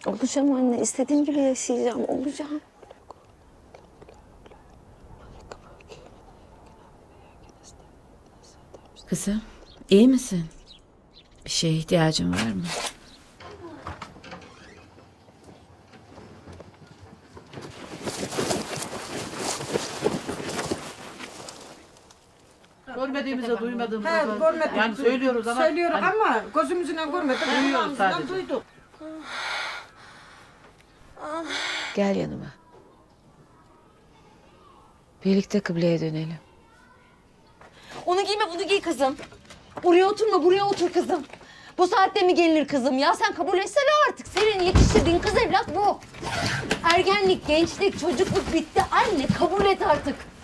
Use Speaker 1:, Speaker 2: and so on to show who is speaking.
Speaker 1: Olacağım anne. İstediğim gibi yaşayacağım. Olacağım.
Speaker 2: Kızım, iyi misin? Bir şeye ihtiyacın var mı?
Speaker 3: Görmediğimize, duymadığımıza.
Speaker 4: He, görmedik.
Speaker 3: Yani söylüyoruz ama.
Speaker 4: Söylüyoruz
Speaker 3: hani
Speaker 4: ama gözümüzle görmedik.
Speaker 3: duyuyoruz
Speaker 4: Kulağımızdan
Speaker 3: sadece.
Speaker 4: duyduk.
Speaker 2: Gel yanıma. Birlikte kıbleye dönelim.
Speaker 1: Onu giyme, bunu giy kızım. Buraya oturma, buraya otur kızım. Bu saatte mi gelinir kızım? Ya sen kabul etsene artık. Senin yetiştirdiğin kız evlat bu. Ergenlik, gençlik, çocukluk bitti. Anne kabul et artık.